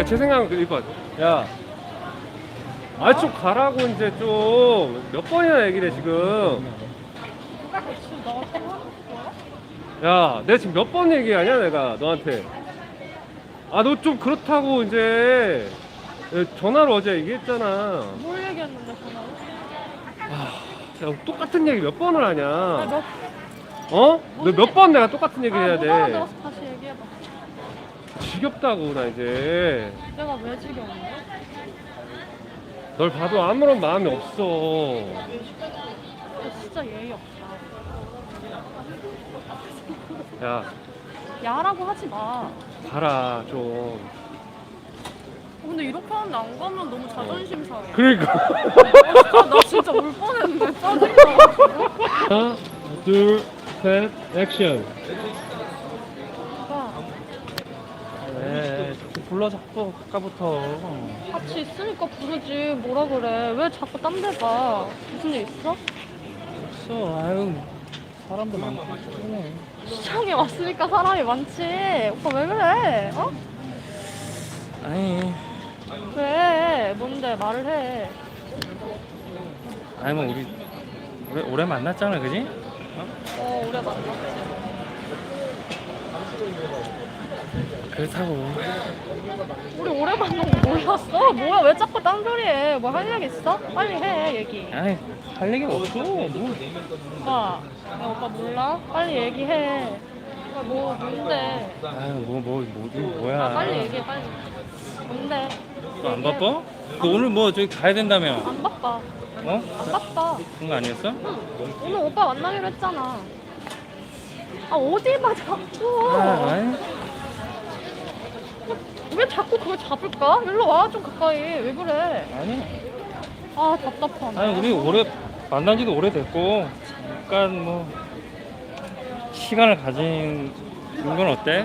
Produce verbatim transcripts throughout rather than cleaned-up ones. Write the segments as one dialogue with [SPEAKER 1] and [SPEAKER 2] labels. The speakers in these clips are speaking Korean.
[SPEAKER 1] 제 생각은 이거 야, 아 좀 가라고 이제 좀 몇 번이나 얘기를 해 지금.
[SPEAKER 2] 지금 너한테 하는 거야?
[SPEAKER 1] 야, 내가 지금 몇 번 얘기하냐 내가 너한테. 아 너 좀 그렇다고 이제 전화로 어제 얘기했잖아.
[SPEAKER 2] 뭘 얘기했는데 전화로?
[SPEAKER 1] 야, 똑같은 얘기 몇 번을 하냐?
[SPEAKER 2] 아, 너,
[SPEAKER 1] 어? 너 몇 번 내가 똑같은 얘기
[SPEAKER 2] 아,
[SPEAKER 1] 해야
[SPEAKER 2] 못 알아들어서
[SPEAKER 1] 돼.
[SPEAKER 2] 다시 얘기해봐.
[SPEAKER 1] 지겹다고 나 이제.
[SPEAKER 2] 내가 왜 지겨운데?
[SPEAKER 1] 널 봐도 아무런 마음이 없어.
[SPEAKER 2] 너 진짜 예의 없다.
[SPEAKER 1] 야,
[SPEAKER 2] 야라고 하지 마. 어,
[SPEAKER 1] 가라 좀.
[SPEAKER 2] 근데 이렇게 하는데 안 가면 너무 자존심 상해.
[SPEAKER 1] 그러니까.
[SPEAKER 2] 아, 나 진짜 울 뻔했는데 짜증나.
[SPEAKER 1] 하나, 둘, 셋, 액션.
[SPEAKER 2] 오빠,
[SPEAKER 3] 왜 불러 자꾸 아까부터.
[SPEAKER 2] 같이 있으니까 부르지. 뭐라 그래. 왜 자꾸 딴 데 가? 무슨 일 있어?
[SPEAKER 3] 없어. 아유 사람도 많고 그러네.
[SPEAKER 2] 시장에 왔으니까 사람이 많지. 오빠 왜 그래? 어?
[SPEAKER 3] 아니
[SPEAKER 2] 왜? 뭔데? 말을 해.
[SPEAKER 3] 아니 뭐 우리 오래, 오래 만났잖아, 그지?
[SPEAKER 2] 어, 오래 만났지.
[SPEAKER 3] 그렇다고.
[SPEAKER 2] 우리 오래 만난 거 몰랐어? 뭐야? 왜 자꾸 딴소리 해? 뭐 할 얘기 있어? 빨리 해, 얘기.
[SPEAKER 3] 아니 할 얘기가 없어. 뭐.
[SPEAKER 2] 오빠, 야, 오빠 몰라? 빨리 얘기해. 오빠 뭐, 뭔데?
[SPEAKER 3] 아유 뭐뭐 뭐, 뭐, 뭐야.
[SPEAKER 2] 아, 빨리 얘기해, 빨리. 뭔데?
[SPEAKER 3] 너 안
[SPEAKER 2] 얘기해.
[SPEAKER 3] 바빠? 너 오늘 뭐 저기 가야 된다며?
[SPEAKER 2] 안 바빠.
[SPEAKER 3] 어?
[SPEAKER 2] 안 바빠.
[SPEAKER 3] 그런 거 아니었어?
[SPEAKER 2] 오늘 오빠 만나기로 했잖아. 아, 어디 봐, 자꾸.
[SPEAKER 3] 아, 아니.
[SPEAKER 2] 왜 자꾸 그걸 잡을까? 일로 와, 좀 가까이. 왜 그래?
[SPEAKER 3] 아니.
[SPEAKER 2] 아, 답답하네.
[SPEAKER 3] 아니 우리 오래 만난 지도 오래됐고 잠깐 뭐 시간을 가진 건 어때?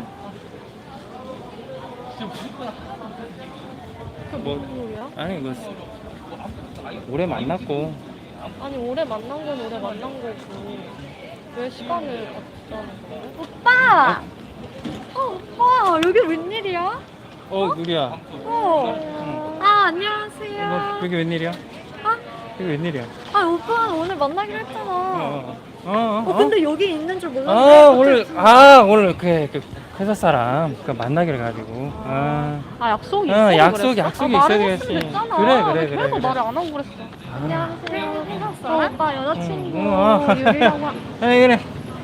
[SPEAKER 2] 그게
[SPEAKER 3] 뭐-
[SPEAKER 2] 무슨 소리야?
[SPEAKER 3] 아니 이거 오래 만났고
[SPEAKER 2] 아니, 오래 만난 건 오래 만난 거고. 왜 시간을 갖자는 거야? 오빠! 어, 오빠, 여기 웬일이야?
[SPEAKER 3] 어 누리야
[SPEAKER 2] 어. 아, 안녕하세요.
[SPEAKER 3] 이거 여기 웬일이야?
[SPEAKER 2] 어?
[SPEAKER 3] 이거 웬일이야?
[SPEAKER 2] 아, 오빠 오늘 만나기로 했잖아.
[SPEAKER 3] 어, 어, 어,
[SPEAKER 2] 어, 근데 여기 있는 줄 몰랐는데.
[SPEAKER 3] 아 오늘 아 오늘 그, 그 회사 사람 그 만나기로 가지고 아
[SPEAKER 2] 아, 약속이
[SPEAKER 3] 어,
[SPEAKER 2] 있어.
[SPEAKER 3] 약속이-
[SPEAKER 2] 그랬어?
[SPEAKER 3] 약속이
[SPEAKER 2] 아,
[SPEAKER 3] 있어야
[SPEAKER 2] 말을
[SPEAKER 3] 되겠지.
[SPEAKER 2] 했으면 됐잖아.
[SPEAKER 3] 그래, 그래,
[SPEAKER 2] 왜
[SPEAKER 3] 그래,
[SPEAKER 2] 계속
[SPEAKER 3] 그래.
[SPEAKER 2] 말을 안 하고 그랬어. 안녕하세요. 회사 사람? 오빠 여자친구
[SPEAKER 3] 응, 어.
[SPEAKER 2] 유리라고 하...
[SPEAKER 3] 에 그래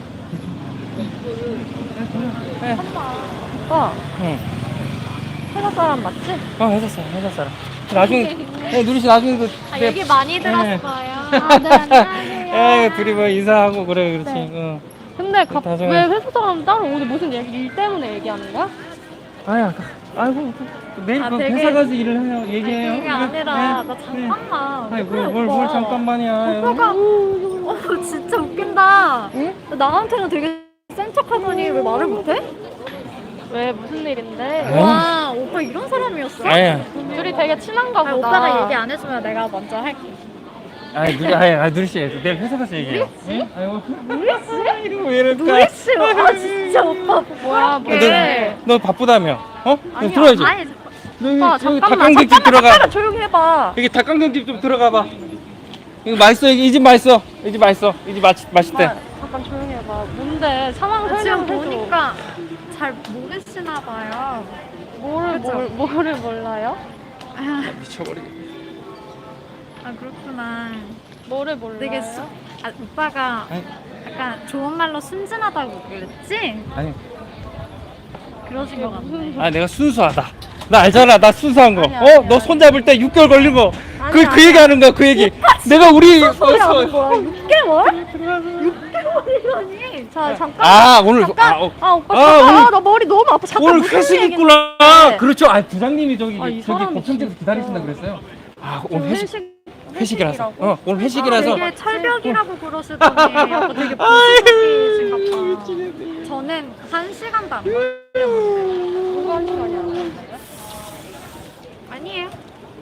[SPEAKER 2] 오빠
[SPEAKER 3] 응.
[SPEAKER 2] 회사 사람 맞지?
[SPEAKER 3] 어 회사 사람 회사 사람 나중에 에 누리 씨 나중에 그
[SPEAKER 2] 아,
[SPEAKER 3] 내-
[SPEAKER 2] 얘기 많이
[SPEAKER 3] 네.
[SPEAKER 2] 들었어요. 아, 네, 안녕하세요.
[SPEAKER 3] 에 둘이 뭐 인사하고 그래 그렇지
[SPEAKER 2] 네.
[SPEAKER 3] 응.
[SPEAKER 2] 근데 갑,
[SPEAKER 3] 나중에-
[SPEAKER 2] 왜 회사 사람 따로 오늘 무슨 얘기, 일 때문에 얘기하는 거야?
[SPEAKER 3] 아야 아이고 그, 내일
[SPEAKER 2] 아,
[SPEAKER 3] 그
[SPEAKER 2] 되게-
[SPEAKER 3] 회사 가서 일을 해요 얘기해요
[SPEAKER 2] 아니, 그게 아니라
[SPEAKER 3] 네,
[SPEAKER 2] 나
[SPEAKER 3] 네.
[SPEAKER 2] 잠깐만.
[SPEAKER 3] 아니
[SPEAKER 2] 왜 그래,
[SPEAKER 3] 뭘, 뭘,
[SPEAKER 2] 오빠?
[SPEAKER 3] 뭘 잠깐만이야
[SPEAKER 2] 오빠가 어, 진짜 웃긴다.
[SPEAKER 3] 응?
[SPEAKER 2] 나한테는 되게 센 척하더니 왜 말을 못해? 왜 무슨 일인데?
[SPEAKER 3] 아유.
[SPEAKER 2] 와 오빠 이런 사람이었어?
[SPEAKER 3] 아야
[SPEAKER 2] 둘이 되게 친한가 보다.
[SPEAKER 4] 오빠가 얘기 안 해주면 내가 먼저 할게.
[SPEAKER 3] 아니 누리 아니 아니 누리 씨 내일 회사 가서 얘기해요
[SPEAKER 2] 누리 씨?
[SPEAKER 3] 응? 아이고
[SPEAKER 2] 누리 씨?
[SPEAKER 3] 이거 왜 이럴까
[SPEAKER 2] 누리씨 아 진짜 오빠 뭐야 뭐해?
[SPEAKER 3] 너, 너 바쁘다며 어? 너
[SPEAKER 2] 아니야,
[SPEAKER 3] 들어야지
[SPEAKER 2] 아니
[SPEAKER 3] 너 여기,
[SPEAKER 2] 오빠
[SPEAKER 3] 여기
[SPEAKER 2] 잠깐만
[SPEAKER 3] 닭강정집
[SPEAKER 2] 잠깐만
[SPEAKER 3] 들어가
[SPEAKER 2] 잠깐만 조용히 해봐.
[SPEAKER 3] 여기 닭강정집 좀 들어가 봐 이거 맛있어 이 집 맛있어 이 집 맛있어 이 집 맛있, 맛있대
[SPEAKER 2] 오빠, 잠깐 조용히 해봐. 뭔데 상황
[SPEAKER 4] 지금
[SPEAKER 2] 설명해줘.
[SPEAKER 4] 보니까 잘 모르시나 봐요.
[SPEAKER 2] 뭐를
[SPEAKER 4] 그쵸?
[SPEAKER 2] 뭘, 뭐를 몰라요?
[SPEAKER 4] 아,
[SPEAKER 3] 미쳐버리겠네
[SPEAKER 4] 아 그렇구나.
[SPEAKER 2] 뭐를 몰라요?
[SPEAKER 4] 되게 수, 아, 오빠가
[SPEAKER 3] 아니,
[SPEAKER 4] 약간 좋은 말로 순진하다고 그랬지?
[SPEAKER 3] 아니
[SPEAKER 4] 그러신 것 같아.
[SPEAKER 2] 무슨
[SPEAKER 3] 아 내가 순수하다 나 알잖아 나 순수한 거
[SPEAKER 2] 아니야,
[SPEAKER 3] 어?
[SPEAKER 2] 아니야,
[SPEAKER 3] 너 손잡을 때 육 개월 걸린 거 그
[SPEAKER 2] 아니야,
[SPEAKER 3] 그 얘기 하는 거야 그 얘기 내가 우리
[SPEAKER 2] 소리
[SPEAKER 3] 어,
[SPEAKER 2] 하는 거야? 육 개월? 육 개월이라니. 자 잠깐.
[SPEAKER 3] 아 오늘
[SPEAKER 2] 잠깐.
[SPEAKER 3] 아, 어,
[SPEAKER 2] 아 오빠
[SPEAKER 3] 아,
[SPEAKER 2] 잠깐.
[SPEAKER 3] 오늘-
[SPEAKER 2] 아, 나 머리 너무 아파. 잠깐
[SPEAKER 3] 오늘
[SPEAKER 2] 무슨
[SPEAKER 3] 회식
[SPEAKER 2] 얘기인데?
[SPEAKER 3] 있구나 그렇죠 아 부장님이 저기
[SPEAKER 2] 아, 이
[SPEAKER 3] 저기
[SPEAKER 2] 사람이
[SPEAKER 3] 법정에서
[SPEAKER 2] 진짜.
[SPEAKER 3] 기다리신다 그랬어요 아
[SPEAKER 2] 저
[SPEAKER 3] 오늘 회식
[SPEAKER 2] 회식
[SPEAKER 3] 회식이라서
[SPEAKER 2] 회식이라고?
[SPEAKER 3] 어 오늘 회식이라서
[SPEAKER 4] 되게 철벽이라고 그러시더니 약간 되게 보수적이신가 봐. 저는 한 시간도 안 걸렸는데.
[SPEAKER 2] 누가 한 시간이야?
[SPEAKER 4] 아니에요.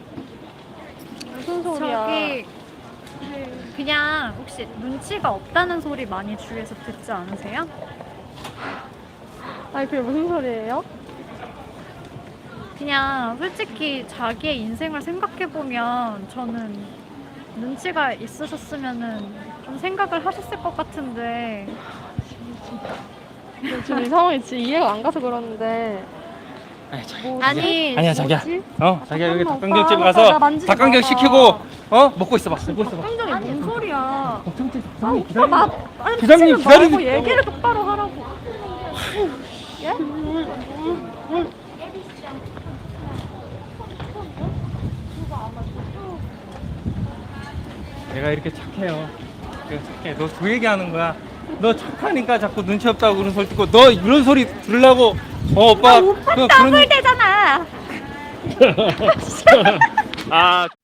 [SPEAKER 2] 무슨 소리야?
[SPEAKER 4] 저기 그냥 혹시 눈치가 없다는 소리 많이 주위에서 듣지 않으세요?
[SPEAKER 2] 아니 그게 무슨 소리예요?
[SPEAKER 4] 그냥 솔직히 자기의 인생을 생각해보면 저는 눈치가 있으셨으면은 좀 생각을 하셨을 것 같은데
[SPEAKER 2] 지금 이 상황이 진짜 이해가 안 가서 그러는데
[SPEAKER 3] 아니, 자기.
[SPEAKER 2] 뭐,
[SPEAKER 4] 아니
[SPEAKER 3] 아니야 자기야.
[SPEAKER 2] 뭐지?
[SPEAKER 3] 어 자기야 여기
[SPEAKER 2] 잠깐만,
[SPEAKER 3] 닭강정집
[SPEAKER 2] 오빠.
[SPEAKER 3] 가서
[SPEAKER 2] 나 만지지
[SPEAKER 3] 닭강정
[SPEAKER 2] 마봐.
[SPEAKER 3] 시키고 어 먹고 있어봐. 먹고 있어봐.
[SPEAKER 2] 깜짝이
[SPEAKER 4] 아니 뭔 소리야?
[SPEAKER 3] 걱정지
[SPEAKER 2] 아 오빠 나 아니
[SPEAKER 3] 기다리고
[SPEAKER 2] 미치지 말고
[SPEAKER 3] 기다리고
[SPEAKER 2] 얘기를 똑바로 하라고. 예?
[SPEAKER 3] 내가 이렇게 착해요. 내가 착해. 너 그 얘기하는 거야. 너 착하니까 자꾸 눈치 없다고 그런 소리 듣고 너 이런 소리 들으려고 어 오빠
[SPEAKER 4] 오빠
[SPEAKER 3] 너
[SPEAKER 4] 더블 되잖아.
[SPEAKER 1] 아